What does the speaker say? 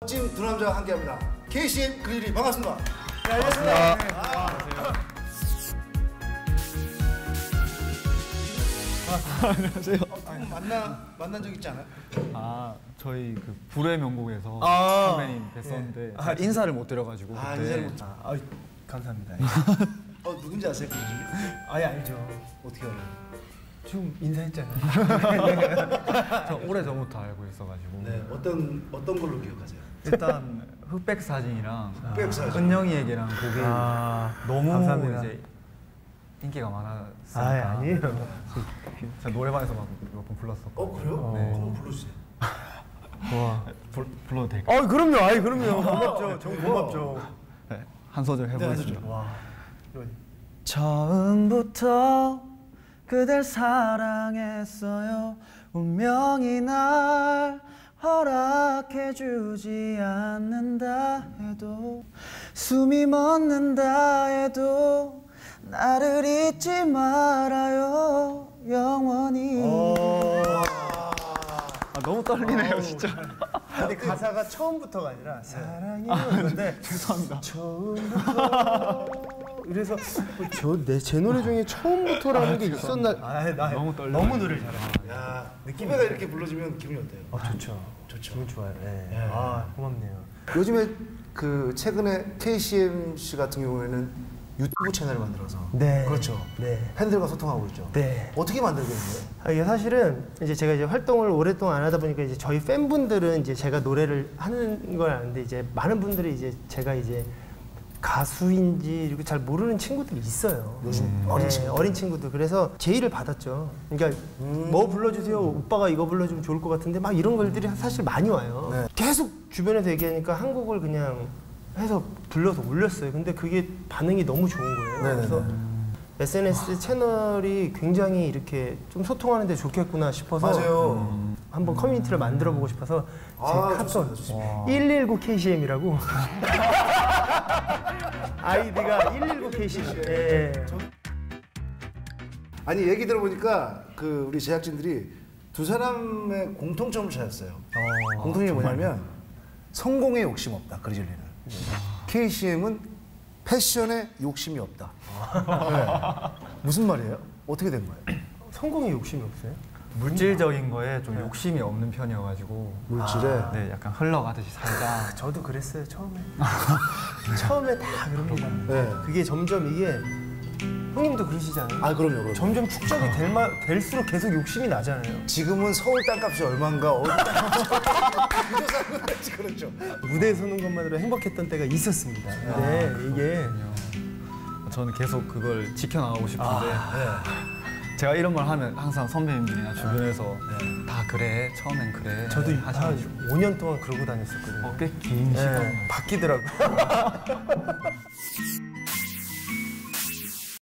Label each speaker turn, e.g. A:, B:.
A: 멋진 두 남자가 함께합니다. KCM 그릴이 반갑습니다.
B: 네, 안녕하세요.
A: 안녕하세요. 만난 적 있지 않아요?
B: 저희 그 불의 명곡에서 선배님 뵀었는데 인사를 못 드려가지고.
A: 인사를 못.
C: 감사합니다.
A: 누군지 아세요?
C: 아예 알죠.
A: 어떻게 알아요?
C: 지금 인사했잖아요.
B: 저 오래전부터 알고 있어가지고.
A: 네, 어떤 걸로 기억하세요?
B: 일단 흑백 사진이랑
A: 흑백 사진.
B: 은영이에게랑 그게 너무
C: 감사합니다.
B: 이제 인기가 많았으니까.
C: 아니에요.
B: 제가 노래방에서 몇 번 불렀었고.
A: 그래요?
B: 네.
A: 한번 불러주세요.
B: 와, 불러도 될까요?
C: 그럼요. 그럼요. 고맙죠. 정말 고맙죠.
B: 네, 한 소절 해보겠습니다.
C: 와.
B: 처음부터 그댈 사랑했어요. 운명이 날 허락해주지 않는다 해도 숨이 멎는다 해도 나를 잊지 말아요 영원히. 너무 떨리네요 진짜.
C: 근데 가사가 처음부터가 아니라 사랑이 건데
B: 죄송합니다.
C: 처음부터 그래서 제 노래 중에 처음부터라는 게 있었나? 나
B: 너무 떨려.
C: 너무 노래를 잘해.
A: 야, 후배가 이렇게 불러주면 기분이 어때요?
C: 좋죠. 기분 좋아요. 네.
A: 네.
C: 고맙네요.
A: 요즘에 그 최근에 KCM 씨 같은 경우에는 유튜브 채널을 만들어서
C: 네.
A: 그렇죠.
C: 네.
A: 팬들과 소통하고 있죠.
C: 네.
A: 어떻게 만들게 된 거예요?
C: 이게 사실은 이제 제가 이제 활동을 오랫동안 안 하다 보니까 이제 저희 팬분들은 이제 제가 노래를 하는 걸 아는데 이제 많은 분들이 이제 제가 이제 가수인지 이렇게 잘 모르는 친구들이 있어요.
A: 요즘
C: 어린 친구들. 그래서 제의를 받았죠. 그러니까 뭐 불러주세요. 오빠가 이거 불러주면 좋을 것 같은데 막 이런 걸들이 사실 많이 와요.
A: 네.
C: 계속 주변에서 얘기하니까 한 곡을 그냥 해서 불러서 올렸어요. 근데 그게 반응이 너무 좋은 거예요.
A: 네네네.
C: 그래서 SNS 채널이 굉장히 이렇게 좀 소통하는 데 좋겠구나 싶어서
A: 맞아요.
C: 한번 커뮤니티를 만들어 보고 싶어서 제 카톡
A: 좋습니다.
C: 119KCM이라고 아이디가 119KCM. 예.
A: 아니 얘기 들어보니까 그 우리 제작진들이 두 사람의 공통점을 찾았어요. 공통점이 뭐냐면 성공에 욕심 없다. 그리즐리는. KCM은 패션에 욕심이 없다. 네. 무슨 말이에요? 어떻게 된 거예요?
C: 성공에 욕심이 없어요?
B: 물질적인 거에 좀 욕심이 없는 편이어가지고
A: 물질에?
B: 네, 약간 흘러가듯이 살자.
C: 저도 그랬어요 처음에. 처음에 다 그럽니다.
A: 네.
C: 그게 점점 이게 형님도 그러시잖아요.
A: 그럼요.
C: 점점 축적이 될수록 계속 욕심이 나잖아요.
A: 지금은 서울 땅값이 얼마인가 어디 땅값이 그저 사는 거지 그렇죠.
C: 무대에 서는 것만으로 행복했던 때가 있었습니다. 근데 이게
B: 저는 계속 그걸 지켜나가고 싶은데 제가 이런 말 하면 항상 선배님들이나 주변에서 다 그래, 처음엔 그래
C: 저도 한
B: 하셔가지고
C: 5년 동안 그러고 다녔었거든요.
B: 꽤 긴 시간
C: 바뀌더라고요.